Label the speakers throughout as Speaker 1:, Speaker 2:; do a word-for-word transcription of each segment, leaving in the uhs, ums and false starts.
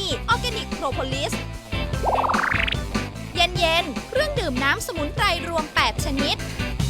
Speaker 1: ออร์แกนิกโพรโพลิสเย็นๆเครื่องดื่มน้ำสมุนไพรรวมแปดชนิด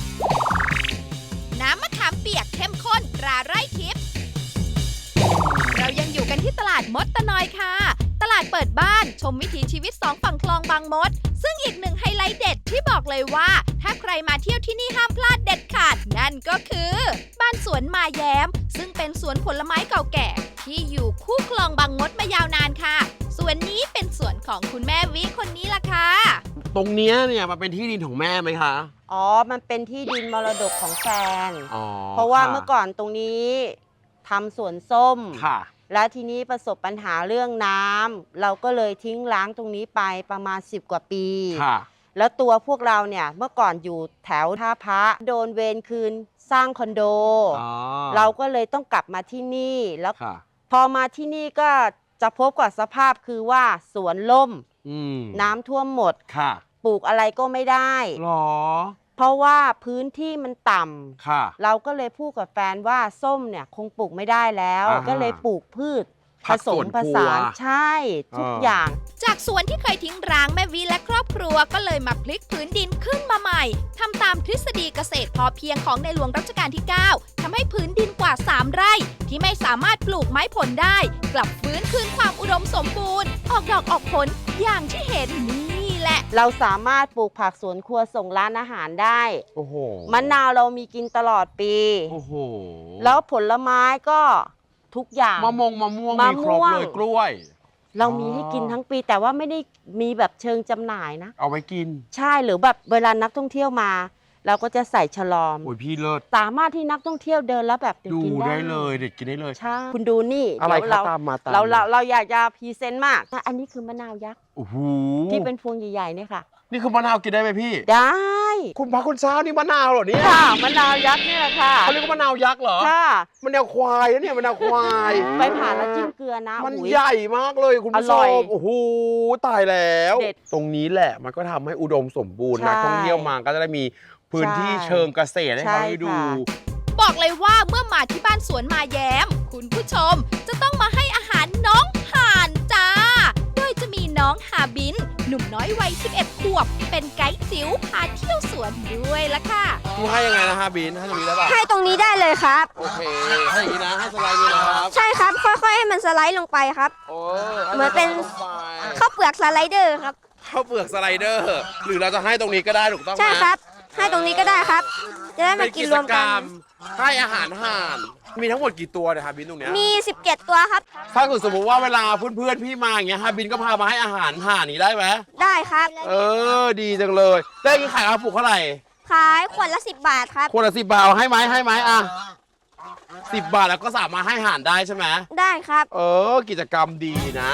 Speaker 1: น้ำมะขามเปียกเข้มข้นตราไร่ทิพย์เรายังอยู่กันที่ตลาดมดตะนอยค่ะตลาดเปิดบ้านชมวิถีชีวิตสองฝั่งคลองบางมดซึ่งอีกหนึ่งไฮไลท์เด็ดที่บอกเลยว่าถ้าใครมาเที่ยวที่นี่ห้ามพลาดเด็ดขาดนั่นก็คือบ้านสวนมาแย้มซึ่งเป็นสวนผลไม้เก่าแก่ที่อยู่คู่คลองบางมดมายาวนานค่ะสวนนี้เป็นสวนของคุณแม่วิคนนี้ล่ะค่ะ
Speaker 2: ตรงนี้เนี่ยมันเป็นที่ดินของแม่ไหมคะ
Speaker 3: อ๋อมันเป็นที่ดินมรดกของแฟน
Speaker 2: อ๋อ
Speaker 3: เพราะว่าเมื่อก่อนตรงนี้ทำสวนส้ม
Speaker 2: ค่ะ
Speaker 3: และทีนี้ประสบปัญหาเรื่องน้ำเราก็เลยทิ้งร้างตรงนี้ไปประมาณสิบกว่าปี
Speaker 2: ค่ะ
Speaker 3: แล้วตัวพวกเราเนี่ยเมื่อก่อนอยู่แถวท่าพระโดนเวรคืนสร้างคอนโดเราก็เลยต้องกลับมาที่นี่แล้วพอมาที่นี่ก็จะพบกับสภาพคือว่าสวนล่มน้ำท่วมหมดปลูกอะไรก็ไม่ได้
Speaker 2: หรอ
Speaker 3: เพราะว่าพื้นที่มันต่
Speaker 2: ำ
Speaker 3: เราก็เลยพูดกับแฟนว่าส้มเนี่ยคงปลูกไม่ได้แล้วก็เลยปลูกพืชผสมผสานใช่ทุกอย่าง
Speaker 1: จากสวนที่เคยทิ้งร้างแม่วิและครอบครัวก็เลยมาพลิกพื้นดินขึ้นมาใหม่ทำตามทฤษฎีเกษตรพอเพียงของในหลวงรัชกาลที่เก้าทำให้พื้นดินกว่าสามไร่ที่ไม่สามารถปลูกไม้ผลได้กลับฟื้นคืนความอุดมสมบูรณ์ออกดอกออกผลอย่างที่เห็นนี่แหละ
Speaker 3: เราสามารถปลูกผักสวนครัวส่งร้านอาหารได้
Speaker 2: โอ้โห
Speaker 3: มะนาวเรามีกินตลอดปี
Speaker 2: โอ้โห
Speaker 3: แล้วผลไม้ก็ทุกอย่าง
Speaker 2: มะม่วงมะม่วงมีครบเลยกล้วย
Speaker 3: เรามีให้กินทั้งปีแต่ว่าไม่ได้มีแบบเชิงจำหน่ายนะ
Speaker 2: เอาไว้กิน
Speaker 3: ใช่หรือแบบเวลานักท่องเที่ยวมาเราก็จะใส่ฉลอม
Speaker 2: โอ้ยพี่เลิศ
Speaker 3: สามารถที่นักท่องเที่ยวเดินแล้วแบบ
Speaker 2: ดูได้เลยเด็กกินได้เลย
Speaker 3: ใช่คุณดูนี่
Speaker 2: อะไรคะตามมาตาม
Speaker 3: เราเราเราอยากจะพรีเซนต์มากอันนี้คือมะนาวยักษ์
Speaker 2: โอ้โห
Speaker 3: ที่เป็นพวงใหญ่ๆเนี่ยค่ะ
Speaker 2: นี่คือมะนาวกินได้ไหมพี่
Speaker 3: ได้
Speaker 2: คุณพระคุณเช้านี่มะนาวเหรอเนี่ย
Speaker 3: ค่ะมะนาวยักษ์นี่แหละค่ะ
Speaker 2: เขาเรียกว่ามะนาวยักษ์เหรอ
Speaker 3: ค่ะ
Speaker 2: มะนาวควายนะเนี่ยมะนาวควาย
Speaker 3: ไปผ่านแล้วจิ้มเกลือนะ
Speaker 2: มันใหญ่มากเลยคุณผู้ชมโอ้โหตายแล้วตรงนี้แหละมันก็ทำให้อุดมสมบูรณ์นักท่องเที่ยวมาก็จะได้มีพื้นที่เชิงเกษตรให้เขาได้ดู
Speaker 1: บอกเลยว่าเมื่อมาที่บ้านสวนมาแย้มคุณผู้ชมจะต้องมาให้อาหารน้องห่านจ้าโดยจะมีน้องฮาบินหนุ่มน้อยวัยสิบเอ็ดขวบเป็นไกด์จิ๋วพาเที่ยวสวนด้วยละค่ะ
Speaker 2: คุณให้ยังไงนะฮาบินให้ตรงนี้ได้ป่ะ
Speaker 4: ให้ตรงนี้ได้เลยครับ
Speaker 2: โอเคให้อย่างนี้นะให้สไลด์นี้นะครับ
Speaker 4: ใช่ครับค่อยๆให้มันสไลด์ลงไปครับเหมือนเป็นข้าวเปลือกสไลเดอร์ครับ
Speaker 2: ข้าวเปลือกสไลเดอร์หรือเราจะให้ตรงนี้ก็ได้ถูกต้องไหม
Speaker 4: ใช่ครับให้ตรงนี้ก็ได้ครับจะได้มากินรวมกัน
Speaker 2: ให้อาหารห่านมีทั้งหมดกี่ตัวเนี่ยฮาบินตรงเนี้ย
Speaker 4: มีสิบเจ็ดตัวครับ
Speaker 2: ถ้าเกิดสมมติว่าเวลาเพื่อนๆพี่มาอย่างเงี้ยฮาบินก็พามาให้อาหารห่านนี้ได้ไหม
Speaker 4: ได้ครับ
Speaker 2: เออดีจังเลยได้กี่ขายกระปุกเท่าไหร่
Speaker 4: ขายขวดละสิบบาทครับ
Speaker 2: ขวดละสิบบาทให้ไหมให้ไหมอ่ะสิบบาทแล้วก็สามารถให้ห่านได้ใช่ไหม
Speaker 4: ได้ครับ
Speaker 2: เออกิจกรรมดีนะ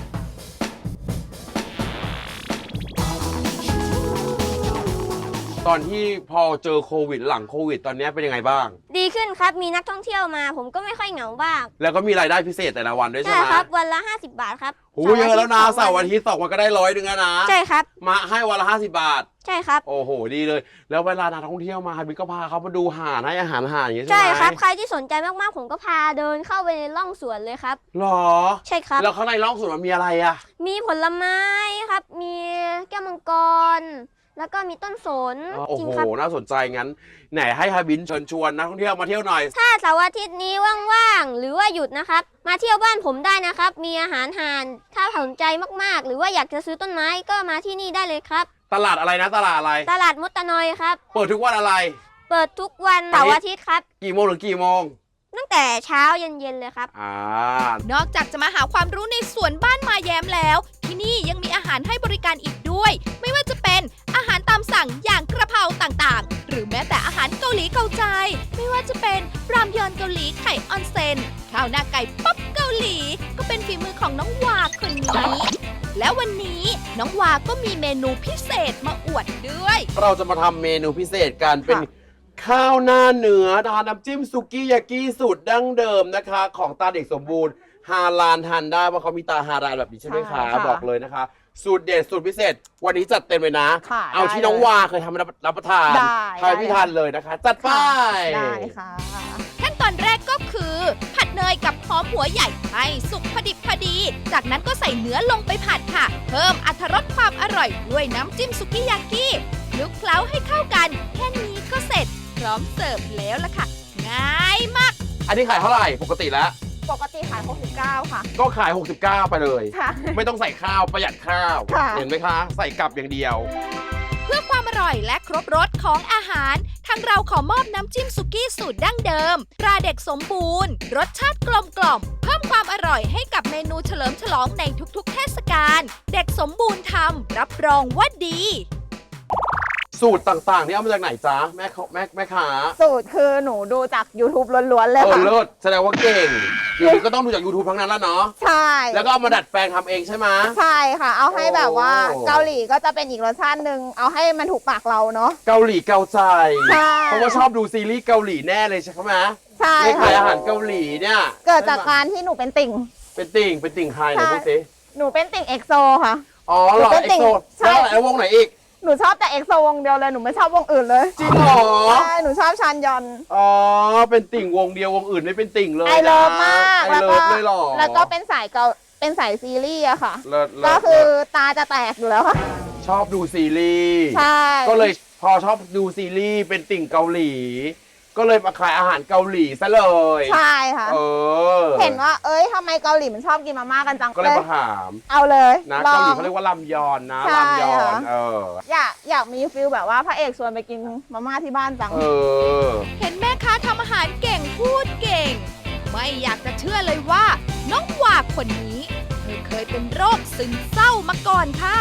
Speaker 2: ตอนที่พอเจอโควิดหลังโควิดตอนนี้เป็นยังไงบ้าง
Speaker 4: ดีขึ้นครับมีนักท่องเที่ยวมาผมก็ไม่ค่อยเหงาบ้าง
Speaker 2: แล้วก็มีรายได้พิเศษแต่ละวันด้วยใช่ไหม
Speaker 4: ใช่ครับวันละห้าสิบบาทครับ
Speaker 2: โอ้เยอะแล้วนะเสาร์อาทิตย์สองวันก็ได้ร้อยหนึ่งนะ
Speaker 4: ใช่ครับ
Speaker 2: มาให้วันละห้าสิบบาท
Speaker 4: ใช่ครับ
Speaker 2: โอ้โหดีเลยแล้วเวลานักท่องเที่ยวมาฮาบินก็พาเขามาดูห่านให้อาหารห่านอย่างนี้ใช่ไหม
Speaker 4: ใช่ครับใครที่สนใจมากๆผมก็พาเดินเข้าไปในร่องสวนเลยครับ
Speaker 2: หรอ
Speaker 4: ใช่ครับ
Speaker 2: แล้วข้างในร่องสวนมันมีอะไรอ่ะ
Speaker 4: มีผลไม้ครับมีแก้วมังกรแล้วก็มีต้นสน
Speaker 2: โอ้โหน่าสนใจงั้นไหนให้ฮาบินเชิญชวนนักท่องเที่ยวมาเที่ยวหน่อย
Speaker 4: ถ้าเสาร์อาทิตย์นี้ว่างๆหรือว่าหยุดนะครับมาเที่ยวบ้านผมได้นะครับมีอาหารห่านถ้าสนใจมากๆหรือว่าอยากจะซื้อต้นไม้ก็มาที่นี่ได้เลยครับ
Speaker 2: ตลาดอะไรนะตลาดอะไร
Speaker 4: ตลาดมดตะนอยครับ
Speaker 2: เปิดทุกวันอะไร
Speaker 4: เปิดทุกวันเสาร์อาทิตย์ครับ
Speaker 2: กี่โมงถึงกี่โมง
Speaker 4: ตั้งแต่เช้าเย็นๆเลยครับ
Speaker 2: อ่าน
Speaker 1: อกจากจะมาหาความรู้ในสวนบ้านมาแย้มแล้วที่นี่ยังมีอาหารให้บริการอีกด้วยไม่ว่าจะเป็นอาหารตามสั่งอย่างกระเพราต่างๆหรือแม้แต่อาหารเกาหลีเกาใจไม่ว่าจะเป็นรามยอนเกาหลีไข่ออนเซนข้าวหน้าไก่ป๊อปเกาหลีก็เป็นฝีมือของน้องวาคนนี้และวันนี้น้องวาก็มีเมนูพิเศษมาอวดด้วย
Speaker 2: เราจะมาทำเมนูพิเศษกันเป็นข้าวหน้าเนื้อทานน้ำจิ้มซุกี้ยากิสูตรดั้งเดิมนะคะของตาเด็กสมบูรณ์ฮาลาลทานได้เพราะเขามีตาฮาลาลแบบนี้ใช่ไหมคะบอกเลยนะคะสูตรเด็ดสูตรพิเศษวันนี้จัดเต็มเลยนะเอาที่น้องวาเคยทำรับประทานทานพิทานเลยนะคะจัดไป
Speaker 3: ได้ค่ะ
Speaker 1: ขั้นตอนแรกก็คือผัดเนยกับหอมหัวใหญ่ให้สุกพอดิบพอดี จากนั้นก็ใส่เนื้อลงไปผัดค่ะ เพิ่มอรรถรสความอร่อยด้วยน้ำจิ้มสุกิยากิคลุกเคล้าให้เข้ากัน แค่นี้ก็เสร็จพร้อมเสิร์ฟแล้วล่ะค่ะ ง่ายมาก
Speaker 2: อันนี้ขายเท่าไหร่ปกติแล้ว
Speaker 5: ปกติขายหกสิบเก้าค่ะ
Speaker 2: ก็ขาย หกสิบเก้า ไปเลย
Speaker 5: ค่ะ
Speaker 2: ไม่ต้องใส่ข้าวประหยัดข้าว
Speaker 5: ค่ะ
Speaker 2: เห็นไหมคะ ใส่กลับอย่างเดียว
Speaker 1: เพื่อความอร่อยและครบรสของอาหารทางเราขอมอบน้ำจิ้มสุกี้สูตรดั้งเดิมตราเด็กสมบูรณ์ รสชาติกลมกล่อม เพิ่มความอร่อยให้กับเมนูเฉลิมฉลองในทุกๆเทศกาลเด็กสมบูรณ์ทำรับรองว่าดี
Speaker 2: สูตรต่างๆ นี่เอามาจากไหนจ๊ะแม่เขาแม่แม่ค้า
Speaker 5: สูตรคือหนูดูจาก YouTube ล้วนๆเลย
Speaker 2: เออ
Speaker 5: ค่ะ
Speaker 2: เลิศแสดงว่าเก่งเดี๋ยวนี้ก็ต้องดูจาก YouTube ทั้งนั้นแล้วเนาะ
Speaker 5: ใช่
Speaker 2: แล้วก็เอามาดัดแปลงทำเองใช่ไหม
Speaker 5: ใช่ค่ะ เอาให้แบบว่า
Speaker 2: โอ้
Speaker 5: เกาหลีก็จะเป็นอีกรสชาติหนึ่งเอาให้มันถูกปากเราเนาะ
Speaker 2: เกาหลีเกาใจ
Speaker 5: ใช่
Speaker 2: เพราะว่าชอบดูซีรีส์เกาหลีแน่เลยใช่ไหม
Speaker 5: ใช่
Speaker 2: ในขายอา
Speaker 5: ค่ะ
Speaker 2: หารเกาหลีเนี่ย
Speaker 5: เกิดจากการที่หนูเป็นติ่ง
Speaker 2: เป็นติ่งเป็นติ่งใครไหน
Speaker 5: ใช่
Speaker 2: พูดสิ
Speaker 5: หนูเป็นติ่งเอ็กโซค่ะ
Speaker 2: อ๋อเหรอ
Speaker 5: หนูเป็น
Speaker 2: เอ็
Speaker 5: ติ่
Speaker 2: ก
Speaker 5: ง
Speaker 2: โซ
Speaker 5: ใช่
Speaker 2: แล้วอะไรวงไหนอีก
Speaker 5: หนูชอบแต่เอ็กโซวงเดียวเลย หนูไม่ชอบวงอื่นเลย
Speaker 2: จริงเหรอ
Speaker 5: ใช่ หนูชอบชานยอน
Speaker 2: อ๋อเป็นติ่งวงเดียววงอื่นไม่เป็นติ่งเลย
Speaker 5: ไอเลิฟ
Speaker 2: นะ
Speaker 5: มาก
Speaker 2: ไอ
Speaker 5: แล้ว
Speaker 2: เลิ
Speaker 5: ก็
Speaker 2: ฟเลยเหรอ
Speaker 5: แล้วก็เป็นสายเกาเป็นสายซีรีส์อะค่ะ
Speaker 2: เลิศเลิศ
Speaker 5: ก็คือ
Speaker 2: เลิศ
Speaker 5: ตาจะแตกอยู่แล้วค่ะ
Speaker 2: ชอบดูซีรีส์
Speaker 5: ใช่
Speaker 2: ก็เลยพอชอบดูซีรีส์เป็นติ่งเกาหลี ก็เลยมาขายอาหารเกาหลีซะเลย
Speaker 5: ใช่ค่ะ
Speaker 2: เออ
Speaker 5: เห็นว่า เอ้ยทำไมเกาหลีมันชอบกินมาม่ากันจัง
Speaker 2: ก็เลย
Speaker 5: เลย
Speaker 2: มาถาม
Speaker 5: เอาเลย
Speaker 2: นะ
Speaker 5: ลอ
Speaker 2: เกาหลี
Speaker 5: ง
Speaker 2: เขาเรียกว่าลำยอนนะ
Speaker 5: ใช่
Speaker 2: ลำยอน
Speaker 5: ค่ะ
Speaker 2: เออ
Speaker 5: อยากอยากมีฟิลแบบว่าพระเอกชวนไปกินมาม่าที่บ้านจัง
Speaker 2: เออ
Speaker 1: เห็นแม่ค้าทำอาหารเก่งพูดเก่ง ไม่อยากจะเชื่อเลยว่า น้องวาคนนี้เธอเคยเป็นโรคซึมเศร้ามาก่อนค่ะ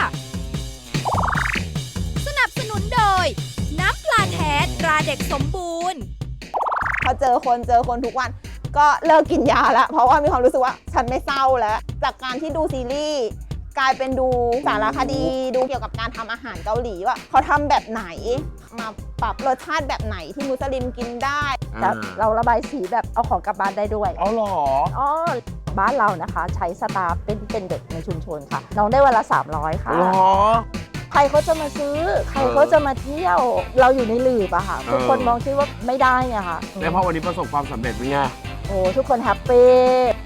Speaker 1: สนับสนุนโดย น้ำปลาแท้ตราเด็กสมบูรณ์
Speaker 5: พอเจอคนเจอคนทุกวัน ก็เลิกกินยาแล้ว เพราะว่ามีความรู้สึกว่าฉันไม่เศร้าแล้ว จากการที่ดูซีรีส์กลายเป็นดูสารคดีดูเกี่ยวกับการทำอาหารเกาหลีว่าเขาทำแบบไหน มาปรับรสชาติแบบไหนที่มุสลิมกินได้
Speaker 2: อ่า
Speaker 6: เราระบายสีแบบเอาของกลับบ้านได้ด้วย
Speaker 2: เอาเหรอ
Speaker 6: อ๋อบ้านเรานะคะ ใช้สตาฟเป็นเป็นเด็กในชุมชนค่ะ น้องได้วันละ สามร้อย ค่ะ
Speaker 2: เหรอ
Speaker 6: ใครเขาจะมาซื้อ ใครเขาจะมาเที่ยว เราอยู่ในหลืบอะค่ะ ทุกคน
Speaker 2: เออ
Speaker 6: มองคิดว่าไม่ได้ไงค่ะ
Speaker 2: แล้วพอวันนี้ประสบความสำเร็จเป็นไง
Speaker 6: โอ้ทุกคนแฮปปี้